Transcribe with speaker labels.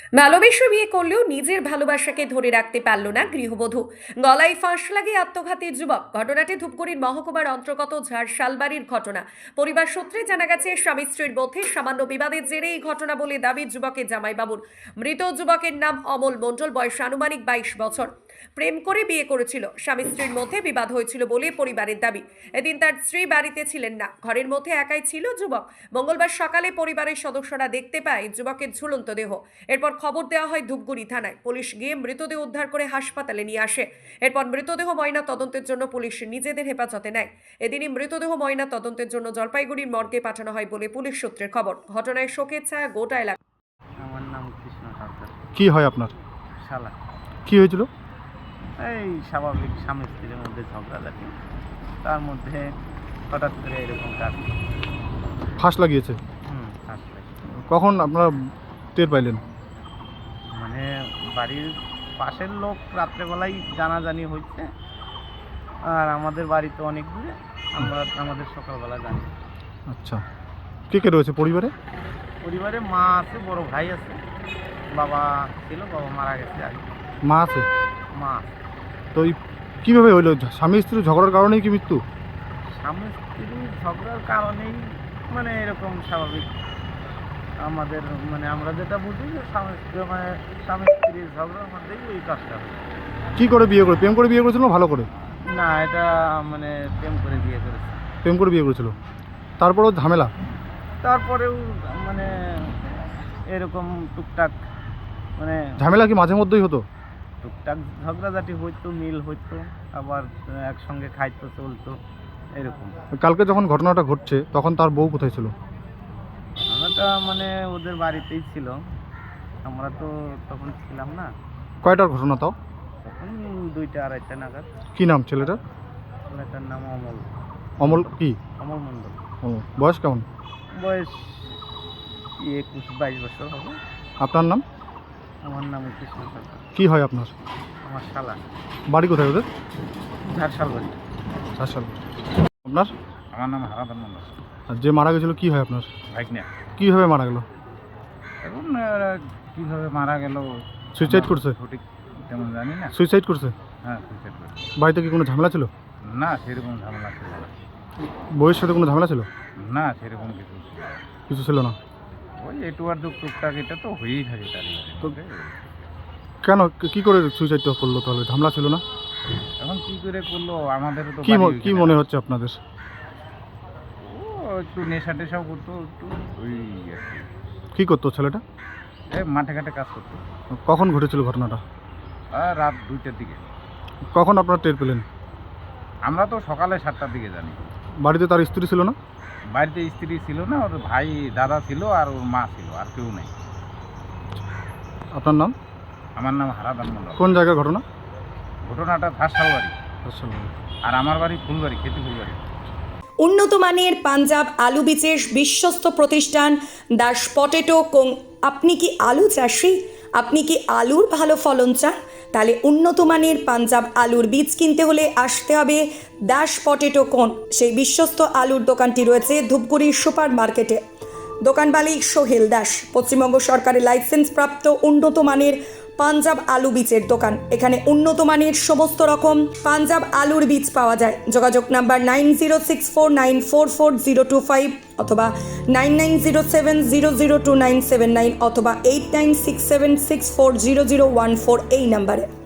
Speaker 1: ভালোবেসে বিয়ে করলেও নিজের ভালোবাসাকে ধরে রাখতে পারল না গৃহবধূ। গলায় ফাঁস লাগিয়ে আত্মঘাতী যুবক। ঘটনাটি ধূপগুড়ির মহকুমার অন্তর্গত ঝাড়শালবাড়ির ঘটনা। পরিবার সূত্রে জানা গেছে, স্বামী স্ত্রীর মধ্যে সামান্য বিবাদের জেরে এই ঘটনা বলে দাবি যুবকের জামাইবাবুর। মৃত যুবকের নাম অমল মণ্ডল, বয়স আনুমানিক 22 বছর। প্রেম করে বিয়ে করেছিল। স্বামী স্ত্রীর মধ্যে বিবাদ হয়েছিল বলে পরিবারের দাবি। এদিন তার স্ত্রী বাড়িতে ছিলেন না, ঘরের মধ্যে একাই ছিল যুবক। মঙ্গলবার সকালে পরিবারের সদস্যরা দেখতে পায় যুবকের ঝুলন্ত দেহ। এরপর খবর দেওয়া হয় ধূপগুড়ি থানায়। পুলিশ গিয়ে মৃতদেহ উদ্ধার করে হাসপাতালে নিয়ে আসে। এরপর মৃতদেহ ময়না তদন্তের জন্য পুলিশ নিজেদের হেফাজতে নেয়। এদিনই মৃতদেহ ময়না তদন্তের জন্য জলপাইগুড়ির মর্গে পাঠানো হয় বলে পুলিশ সূত্রের খবর। ঘটনায় শোকের ছায়া গোটা এলাকা।
Speaker 2: আমার নাম কৃষ্ণ সরকার।
Speaker 3: কি হয় আপনার?
Speaker 2: শালা
Speaker 3: কি হয়েছিল?
Speaker 2: এই স্বাভাবিক স্বামী স্ত্রীর মধ্যে ঝগড়াঝাটি, তার মধ্যে হঠাৎ করে এরকম কাজ।
Speaker 3: ফাঁস লাগিয়েছে?
Speaker 2: আসলে
Speaker 3: কখন আপনারা টের পাইলেন?
Speaker 2: মানে বাড়ির পাশের লোক রাত্রেবেলায় জানাজানি হচ্ছে, আর আমাদের বাড়ি তো অনেক দূরে, আমাদের সকালবেলা জানি।
Speaker 3: আচ্ছা, কে কে রয়েছে পরিবারে?
Speaker 2: পরিবারে মা আছে, বড় ভাই আছে, বাবা ছিল, বাবা মারা গেছে আর কি।
Speaker 3: মা আছে?
Speaker 2: মা
Speaker 3: তো এই কীভাবে হইলো? স্বামী স্ত্রীর ঝগড়ার কারণেই কি মৃত্যু?
Speaker 2: স্বামী স্ত্রীর ঝগড়ার কারণেই, মানে এরকম স্বাভাবিক আমাদের, মানে আমরা যেটা বুঝি যে স্বামী স্ত্রীর ঝগড়ার মধ্যেই ওই কাজটা হয়।
Speaker 3: কি করে বিয়ে করে? প্রেম করে বিয়ে করেছিল না ভালো করে?
Speaker 2: না, এটা মানে প্রেম করে বিয়ে করেছে।
Speaker 3: প্রেম করে বিয়ে করেছিল, তারপরেও ঝামেলা?
Speaker 2: তারপরেও মানে এরকম টুকটাক, মানে
Speaker 3: ঝামেলা কি মাঝে মধ্যেই হতো?
Speaker 2: টুকটাক ঝগড়াঝাটি হইতো, মিল হইতো, আবার একসঙ্গে খাইতো, চলতো এরকম।
Speaker 3: কালকে যখন ঘটনাটা ঘটছে তখন তার বউ কোথায় ছিল?
Speaker 2: আমরা মানে ওদের বাড়িতেই ছিল, আমরা তো তখন ছিলাম না।
Speaker 3: কয়টার ঘটনা তাও?
Speaker 2: তখন 2টা-2:30 নাগাদ।
Speaker 3: কি নাম ছেলেটার?
Speaker 2: ছেলেটার নাম অমল।
Speaker 3: অমল কি?
Speaker 2: অমল মণ্ডল।
Speaker 3: বয়স কেমন?
Speaker 2: বয়স 21-22 বছর হবে।
Speaker 3: আপনার নাম?
Speaker 2: আমার নাম কৃষ্ণ সরকার।
Speaker 3: কি হয় আপনার?
Speaker 2: আমার শালা।
Speaker 3: বাড়ি কোথায় ওদের?
Speaker 2: ঝাড়শালবাড়ি।
Speaker 3: আচ্ছা, আপনার?
Speaker 2: আমার নাম হারাধন মণ্ডল।
Speaker 3: আর যে মারা গেছিল কি হয় আপনার?
Speaker 2: ভাইকনা।
Speaker 3: কীভাবে মারা গেল?
Speaker 2: এখন কীভাবে মারা গেল,
Speaker 3: সুইসাইড করছে?
Speaker 2: সঠিক তেমন জানি না।
Speaker 3: সুইসাইড করছে?
Speaker 2: হ্যাঁ, সুইসাইড করছে।
Speaker 3: বাড়িতে কি কোনো ঝামেলা ছিল?
Speaker 2: না, সেরকম ঝামেলা ছিল না।
Speaker 3: বউয়ের সাথে কোনো ঝামেলা ছিল?
Speaker 2: না, সেরকম কিছু ছিল না।
Speaker 3: কিছু ছিল না?
Speaker 2: ওই একটু আর টুকটাক, এটা তো হয়েই থাকে তার।
Speaker 3: তো কেন, কি করে সুইসাইডটা করলো তাহলে? ঝামেলা ছিল না?
Speaker 2: এখন কি করে করলো, আমাদেরও তো
Speaker 3: কি মনে হচ্ছে আপনাদের?
Speaker 2: ও একটু নেশা টেশাও করতো, একটু ওই আর কি।
Speaker 3: কি করতো ছেলেটা?
Speaker 2: এই মাঠে ঘাটে কাজ করতো।
Speaker 3: কখন ঘটেছিল ঘটনাটা?
Speaker 2: আর রাত 2টার দিকে।
Speaker 3: কখন আপনারা টের পেলেন?
Speaker 2: আমরা তো সকালে 7টার দিকে জানি।
Speaker 3: বাড়িতে তার স্ত্রী ছিল না?
Speaker 2: বাড়িতে স্ত্রী ছিল না, ওর ভাই দাদা ছিল আর ওর মা ছিল, আর কেউ নেই।
Speaker 3: আপনার নাম?
Speaker 2: আমার নাম হারাধন মণ্ডল।
Speaker 3: কোন জায়গার ঘটনা?
Speaker 2: ঘটনাটা ঝাড়শালবাড়ি,
Speaker 3: আচ্ছা।
Speaker 2: আর আমার বাড়ি ফুলবাড়ি, খেতে ফুলবাড়ি।
Speaker 1: উন্নত মানের পাঞ্জাব আলু বীজের বিশ্বস্ত প্রতিষ্ঠান দাস পটেটো কোং। আপনি কি আলু চাষি? আপনি কি আলুর ভালো ফলন চান? তাহলে উন্নত মানের পাঞ্জাব আলুর বীজ কিনতে হলে আসতে হবে দাস পটেটো কোন। সেই বিশ্বস্ত আলুর দোকানটি রয়েছে ধূপগুড়ির সুপার মার্কেটে। দোকান মালিক সোহেল দাস। পশ্চিমবঙ্গ সরকারের লাইসেন্স প্রাপ্ত উন্নত মানের পাঞ্জাব আলু বীজের দোকান। এখানে উন্নত মানের সমস্ত রকম পাঞ্জাব আলুর বীজ পাওয়া যায়। যোগাযোগ নাম্বার 9064944025 অথবা 9907002979 অথবা 8967640014 এই নাম্বারে।